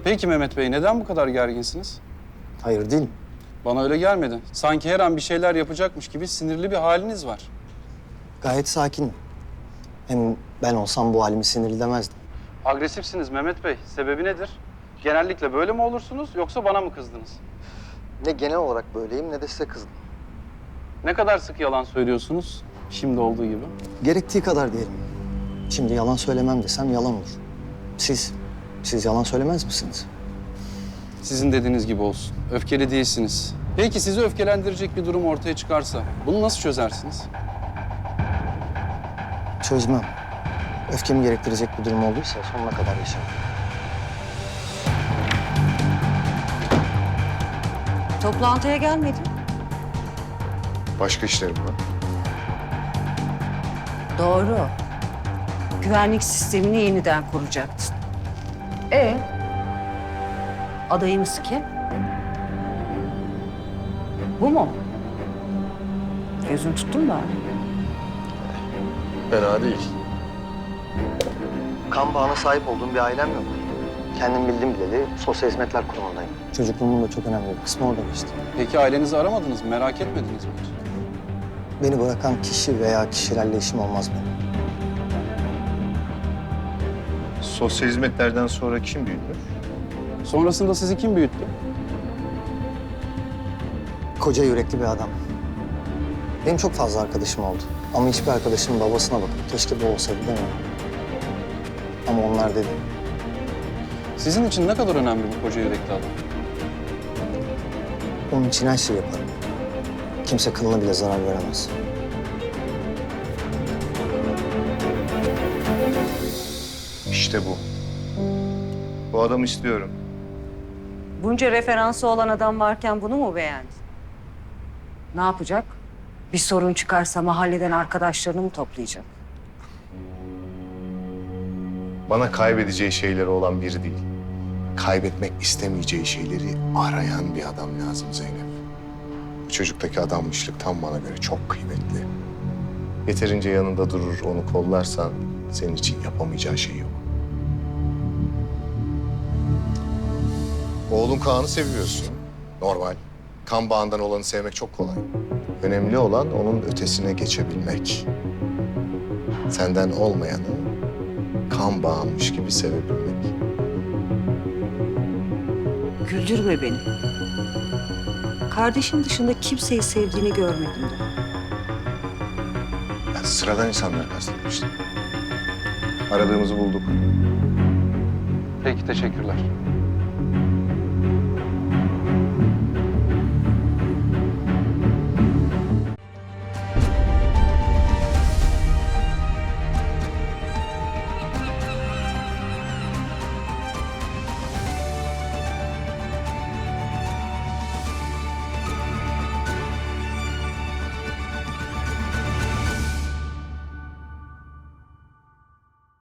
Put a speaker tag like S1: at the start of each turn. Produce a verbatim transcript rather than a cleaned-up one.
S1: Peki Mehmet Bey, neden bu kadar gerginsiniz?
S2: Hayır değilim.
S1: Bana öyle gelmedi. Sanki her an bir şeyler yapacakmış gibi sinirli bir haliniz var.
S2: Gayet sakinim. Hem ben olsam bu halimi sinirli demezdim.
S1: Agresifsiniz Mehmet Bey. Sebebi nedir? Genellikle böyle mi olursunuz yoksa bana mı kızdınız?
S2: Ne genel olarak böyleyim ne de size kızdım.
S1: Ne kadar sık yalan söylüyorsunuz? Şimdi olduğu gibi.
S2: Gerektiği kadar diyelim. Şimdi yalan söylemem desem yalan olur. Siz, siz yalan söylemez misiniz?
S1: Sizin dediğiniz gibi olsun. Öfkeli değilsiniz. Peki sizi öfkelendirecek bir durum ortaya çıkarsa bunu nasıl çözersiniz?
S2: Çözmem. Öfkemi gerektirecek bir durum olduysa sonuna kadar yaşarım.
S3: Toplantıya gelmedin.
S4: Başka işlerim var.
S3: Doğru. Güvenlik sistemini yeniden kuracaktın. E adayımız kim? Bu mu? Gözün tuttun mu?
S4: Fena değil.
S2: Kan bağına sahip olduğum bir ailem yok. Kendim bildim bileli sosyal hizmetler kurumundayım. Çocukluğumun da çok önemli bir kısmı orada geçti.
S1: Peki ailenizi aramadınız mı? Merak etmediniz mi hiç?
S2: Beni bırakan kişi veya kişilerle işim olmaz benim.
S4: Sosyal hizmetlerden sonra kim büyüdü?
S1: Sonrasında sizi kim büyüttü?
S2: Koca yürekli bir adam. Benim çok fazla arkadaşım oldu. Ama hiçbir arkadaşımın babasına bakıp keşke bu olsaydı demiyorum. Ama onlar dedi.
S1: Sizin için ne kadar önemli bu koca yürekli adam?
S2: Onun için her şeyi yaparım. Kimse kılına bile zarar veremez.
S4: İşte bu. Bu adamı istiyorum.
S3: Bunca referansı olan adam varken bunu mu beğendin? Ne yapacak? Bir sorun çıkarsa mahalleden arkadaşlarını mı toplayacak?
S4: Bana kaybedeceği şeyleri olan biri değil. Kaybetmek istemeyeceği şeyleri arayan bir adam lazım Zeynep. Bu çocuktaki adanmışlık tam bana göre çok kıymetli. Yeterince yanında durur, onu kollarsan senin için yapamayacağı şey yok. Oğlun Kaan'ı seviyorsun. Normal. Kan bağından olanı sevmek çok kolay. Önemli olan onun ötesine geçebilmek. Senden olmayanı kan bağımmış gibi sevebilmek.
S3: Güldürme beni. Kardeşin dışında kimseyi sevdiğini görmedim de.
S4: Ben sıradan insanları kastetmiştim. Aradığımızı bulduk.
S1: Peki teşekkürler.